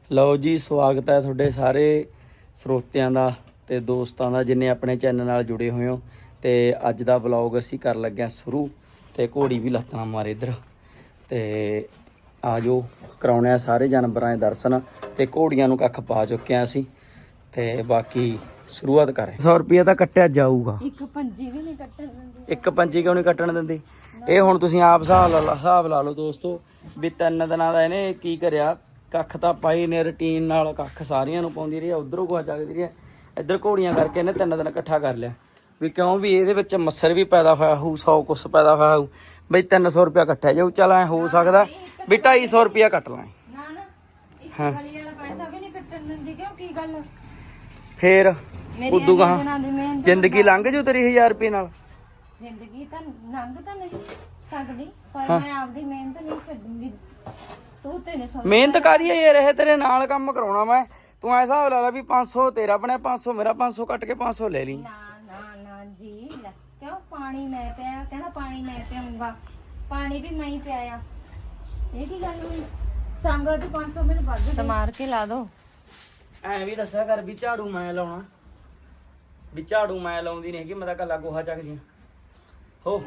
ਲਓ ਜੀ, ਸਵਾਗਤ ਹੈ ਤੁਹਾਡੇ ਸਾਰੇ ਸਰੋਤਿਆਂ ਦਾ ਤੇ ਦੋਸਤਾਂ ਦਾ ਜਿੰਨੇ ਆਪਣੇ ਚੈਨਲ ਨਾਲ ਜੁੜੇ ਹੋਏ ਹੋ। ਤੇ ਅੱਜ ਦਾ ਵਲੌਗ ਅਸੀਂ ਕਰ ਲੱਗੇ ਹਾਂ ਸ਼ੁਰੂ। ਤੇ ਘੋੜੀ ਵੀ ਲੱਤਾਂ ਮਾਰੇ ਇੱਧਰ ਤੇ ਆ ਜੋ ਕਰਾਉਣੇ ਆ ਸਾਰੇ ਜਾਨਵਰਾਂ ਦੇ ਦਰਸ਼ਨ। ਤੇ ਘੋੜੀਆਂ ਨੂੰ ਕੱਖ ਪਾ ਚੁੱਕੇ ਆ ਅਸੀਂ ਤੇ ਬਾਕੀ ਸ਼ੁਰੂਆਤ ਕਰ 100 ਰੁਪਿਆ ਤਾਂ ਕੱਟਿਆ ਜਾਊਗਾ। ਇੱਕ ਪੰਜੀ ਵੀ ਨਹੀਂ ਕੱਟਣ ਦਿੰਦੀ। ਇੱਕ ਪੰਜੀ ਕਿਉਂ ਨਹੀਂ ਕੱਟਣ ਦਿੰਦੀ? ਇਹ ਹੁਣ ਤੁਸੀਂ ਆਪ ਹਿਸਾਬ ਲਾ ਲਓ ਦੋਸਤੋ ਵੀ 3 ਦਿਨਾਂ ਦਾ ਇਹਨੇ ਕੀ ਕਰਿਆ। ਕੱਖ ਤਾਂ ਪਾਈ ਨੇ ਰੂਟੀਨ ਨਾਲ, ਕੱਖ ਸਾਰੀਆਂ ਨੂੰ ਪਾਉਂਦੀ ਰਹੀ, ਉਧਰੋਂ ਗੋਹਾ ਚੱਕਦੀ ਰਹੀ, ਇੱਧਰ ਘੋੜੀਆਂ ਕਰਕੇ ਇਹਨੇ 3 ਦਿਨ ਇਕੱਠਾ ਕਰ ਲਿਆ। ਵੀ ਕਿਉਂ ਵੀ ਇਹਦੇ ਵਿੱਚ ਮੱਛਰ ਵੀ ਪੈਦਾ ਹੋਇਆ ਹੋਊ, 100 ਕੁਛ ਪੈਦਾ ਹੋਇਆ ਹੋਊ। ਬਈ 300 ਰੁਪਇਆ ਇਕੱਠਾ ਜਾਊ। ਚੱਲ ਐ ਹੋ ਸਕਦਾ ਵੀ 250 ਰੁਪਇਆ ਕੱਟ ਲਾਂ। ਨਾ ਇੱਕ ਵਾਲੀ ਵਾਲਾ ਪੈਸਾ ਵੀ ਨਹੀਂ ਕੱਟਣ ਦਿੰਦੀ। ਕਿਉਂ ਕੀ ਗੱਲ? ਫੇਰ ਉਦੋਂ ਦਿਨਾਂ ਗਾਹਾਂ ਦੀ ਮਿਹਨਤ ਜ਼ਿੰਦਗੀ ਲੰਘ ਜੂ ਤੇਰੀ 1000 ਰੁਪਏ ਨਾਲ। ਜ਼ਿੰਦਗੀ ਤਾਂ ਲੰਘ ਤਾਂ ਨਹੀਂ ਸਕਦੀ, ਪਰ ਮੈਂ ਆਪਦੀ ਮਿਹਨਤ ਨਹੀਂ ਛੱਡੂੰਗੀ। ਤੂੰ ਤੇ ਨਹੀਂ ਮਿਹਨਤ ਕਾਦੀ ਯਾਰ, ਇਹ ਤੇਰੇ ਨਾਲ ਕੰਮ ਕਰਾਉਣਾ ਮੈਂ। ਤੂੰ ਐ ਹਿਸਾਬ ਲਾ ਲਾ ਵੀ 500 ਤੇਰਾ ਬਣਿਆ, 500 ਮੇਰਾ, 500 ਕੱਟ ਕੇ 500 ਲੈ ਲਈ। ਨਾ ਜੀ ਲੈ, ਕਿਉਂ? ਪਾਣੀ ਮੈਂ ਪਿਆ, ਕਹਿੰਦਾ ਪਾਣੀ ਮੈਂ ਪਿਆਉਂਗਾ। ਪਾਣੀ ਵੀ ਮੈਂ ਹੀ ਪਿਆਇਆ। ਇਹ ਕੀ ਗੱਲ ਹੋਈ? ਸੰਗੋ ਤੇ 500 ਮੈਨੂੰ ਵੱਧ ਸਮਾਰ ਕੇ ਲਾ ਦੋ। ਐ ਵੀ ਦੱਸਿਆ ਕਰ ਵੀ ਝਾੜੂ ਮੈਂ ਲਾਉਣਾ, ਵੀ ਝਾੜੂ ਮੈਂ ਲਾਉਂਦੀ ਨਹੀਂ ਹੈਗੀ, ਮੈਂ ਤਾਂ ਕੱਲਾ ਗੋਹਾ ਚੱਕਦੀ ਹੋ।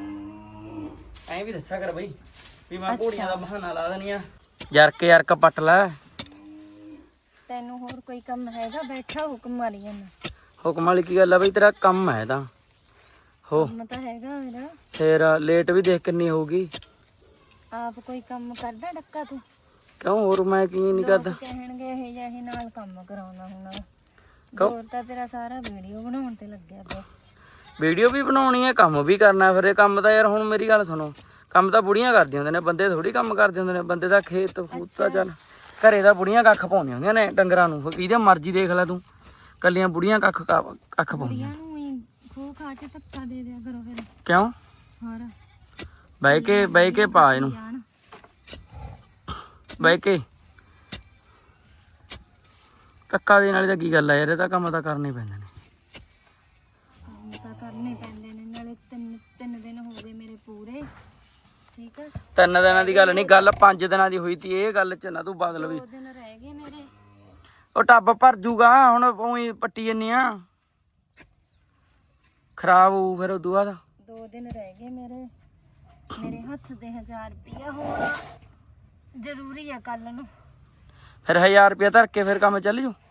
ਐ ਵੀ ਦੱਸਿਆ ਕਰ ਬਈ ਵੀ ਮੈਂ ਘੋੜੀਆਂ ਦਾ ਬਹਾਨਾ ਲਾ ਦੇਣੀ ਆ। ਯਰਕ ਪੱਟ ਲੈ। ਤੈਨੂੰ ਹੋਰ ਕੋਈ ਕੰਮ ਹੈਗਾ? ਬੈਠਾ ਹੁਕਮ ਮਾਰੀ ਜਾਂਦਾ। ਹੁਕਮ ਵਾਲੀ ਕੀ ਗੱਲ ਆ ਬਈ, ਤੇਰਾ ਕੰਮ ਹੈ ਤਾਂ ਹੋ। ਕੰਮ ਤਾਂ ਹੈਗਾ ਮੇਰਾ। ਫੇਰ ਲੇਟ ਵੀ ਦੇਖ ਕਿੰਨੀ ਹੋਊਗੀ। ਆਪ ਕੋਈ ਕੰਮ ਕਰਦਾ ਡੱਕਾ ਤੂੰ? ਕਿਉਂ ਹੋਰ ਮੈਂ ਕੀ ਨਹੀਂ ਕਰਦਾ? ਕਹਿਣਗੇ ਇਹ ਜਿਹੇ ਨਾਲ ਕੰਮ ਕਰਾਉਣਾ ਹੁਣ। ਕਿਉਂ? ਹੋਰ ਤਾਂ ਤੇਰਾ ਸਾਰਾ ਵੀਡੀਓ ਬਣਾਉਣ ਤੇ ਲੱਗਿਆ ਪਿਆ। ਵੀਡੀਓ ਵੀ ਬਣਾਉਣੀ ਹੈ, ਕੰਮ ਵੀ ਕਰਨਾ। ਫਿਰ ਇਹ ਕੰਮ ਤਾਂ ਯਾਰ ਹੁਣ ਮੇਰੀ ਗੱਲ ਸੁਣੋ, ਕੰਮ ਤਾਂ ਬੁੜੀਆਂ ਕਰਦੀਆਂ ਹੁੰਦੀਆਂ ਨੇ, ਬੰਦੇ ਥੋੜੀ ਕੰਮ ਕਰਦੇ ਹੁੰਦੇ ਨੇ। ਬੰਦੇ ਦਾ ਖੇਤ ਫੂਤ ਤਾਂ ਚੱਲ ਘਰੇ ਦਾ ਬੁੜੀਆਂ ਕੱਖ ਪਾਉਂਦੀਆਂ ਹੁੰਦੀਆਂ ਨੇ ਡੰਗਰਾਂ ਨੂੰ। ਕਿਹਦੇ ਮਰਜ਼ੀ ਦੇਖ ਲੈ ਤੂੰ, ਕੱਲੀਆਂ ਬੁੜੀਆਂ ਕੱਖ ਪਾਉਂਦੀਆਂ। ਕੁੜੀਆਂ ਨੂੰ ਹੀ ਖੋ ਖਾ ਕੇ ਧੱਕਾ ਦੇ ਦਿਆ ਕਰੋ ਫਿਰ। ਕਿਉਂ? ਹੋਰ ਬਹਿ ਕੇ ਪਾ ਇਹਨੂੰ, ਬਹਿ ਕੇ ਧੱਕਾ ਦੇਣ ਵਾਲੀ ਤਾਂ ਕੀ ਗੱਲ ਆ ਯਾਰ, ਇਹ ਤਾਂ ਕੰਮ ਤਾਂ ਕਰਨੇ ਪੈਂਦੇ ਨੇ। ਕੰਮ ਤਾਂ ਕਰਨੇ ਪੈਂਦੇ ਨੇ। ਨਾਲੇ ਤਿੰਨ ਦਿਨ ਹੋ ਗਏ ਮੇਰੇ ਪੂਰੇ। ਠੀਕ ਆ, 3 ਦਿਨਾਂ ਦੀ ਗੱਲ ਨਹੀਂ, ਗੱਲ 5 ਦਿਨਾਂ ਦੀ ਹੋਈ ਤੀ। ਇਹ ਗੱਲ ਚ ਨਾ ਤੂੰ ਬਦਲ ਵੀ। 2 ਦਿਨ ਰਹਿ ਗਏ ਮੇਰੇ। ਉਹ ਟੱਬ ਭਰ ਜੂਗਾ ਹੁਣ, ਉਹੀ ਪੱਟੀ ਜੰਨੀ ਆ, ਖਰਾਬ ਹੋਊ ਫਿਰ ਉਦੋਂ ਬਾਅਦ। 2 ਦਿਨ ਰਹਿ ਗਏ ਮੇਰੇ ਹੱਥ ਦੇ 1000 ਰੁਪਇਆ ਹੋਣਾ ਜ਼ਰੂਰੀ ਆ ਕੱਲ ਨੂੰ। ਫਿਰ 1000 ਰੁਪਇਆ ਧਰ ਕੇ ਫਿਰ ਕੰਮ ਚੱਲ ਜੂ।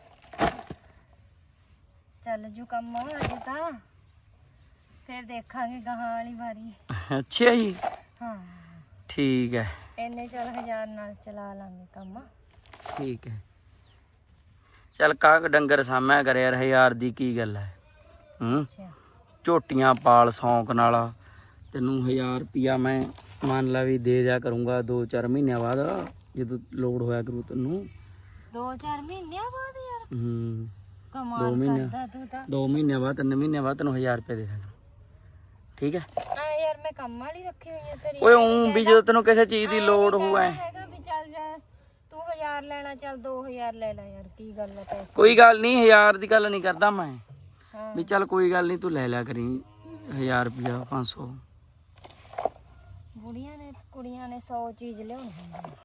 ਚੱਲ ਜੂ ਕੰਮ ਅਜੇ ਤਾਂ, ਫਿਰ ਦੇਖਾਂਗੇ ਗਾਹਾਂ ਵਾਲੀ ਵਾਰੀ। ਅੱਛਾ ਜੀ, ਹਾਂ ਠੀਕ ਹੈ। ਇੰਨੇ ਚੱਲ 1000 ਨਾਲ ਚਲਾ ਲਾਂਗੇ ਕੰਮ। ਠੀਕ ਹੈ, ਚੱਲ ਕਾਹ ਡੰਗਰ ਸਾਂਭਿਆ ਕਰ ਯਾਰ, 1000 ਦੀ ਕੀ ਗੱਲ ਹੈ। ਅੱਛਾ ਝੋਟੀਆਂ ਪਾਲ ਸ਼ੌਂਕ ਨਾਲ। ਤੈਨੂੰ 1000 ਰੁਪਇਆ ਮੈਂ ਮੰਨ ਲਾ ਵੀ ਦੇ ਦਿਆ ਕਰੂੰਗਾ 2-4 ਮਹੀਨਿਆਂ ਬਾਅਦ, ਜਦੋਂ ਲੋੜ ਹੋਇਆ ਕਰੂ ਤੈਨੂੰ। 2-4 ਮਹੀਨਿਆਂ ਬਾਅਦ ਯਾਰ? ਦੋ ਕਮਾਲ ਮਹੀਨੇ, ਕਰਦਾ ਤੂੰ ਤਾਂ। 2 ਮਹੀਨਿਆਂ ਬਾਅਦ, 3 ਮਹੀਨਿਆਂ ਬਾਅਦ ਤੈਨੂੰ 1000 ਰੁਪਇਆ ਦੇ ਦਾਂਗਾ। ਠੀਕ ਹੈ? ਯਾਰ ਮੈਂ ਕੰਮ ਵਾਲੀ ਰੱਖੀ ਹੋਈ ਆ ਤੇਰੀ। ਓਏ ਊਂ ਵੀ ਜਦੋਂ ਤੈਨੂੰ ਕਿਸੇ ਚੀਜ਼ ਦੀ ਲੋੜ ਹੋਊ ਐ ਹੈਗਾ ਵੀ ਚੱਲ ਜਾ ਤੂੰ 1000 ਲੈਣਾ, ਚੱਲ 2000 ਲੈ ਲੈ ਯਾਰ, ਕੀ ਗੱਲ ਆ ਪੈਸੇ। ਕੋਈ ਗੱਲ ਨਹੀਂ, 1000 ਦੀ ਗੱਲ ਨਹੀਂ ਕਰਦਾ ਮੈਂ। ਹਾਂ ਵੀ ਚੱਲ ਕੋਈ ਗੱਲ ਨਹੀਂ, ਤੂੰ ਲੈ ਲਿਆ ਕਰੀ 1000 ਰੁਪਇਆ, 500। ਬੁੜੀਆਂ ਨੇ ਕੁੜੀਆਂ ਨੇ 100 ਚੀਜ਼ ਲਿਆਉਣੀ ਹੁੰਦੀ।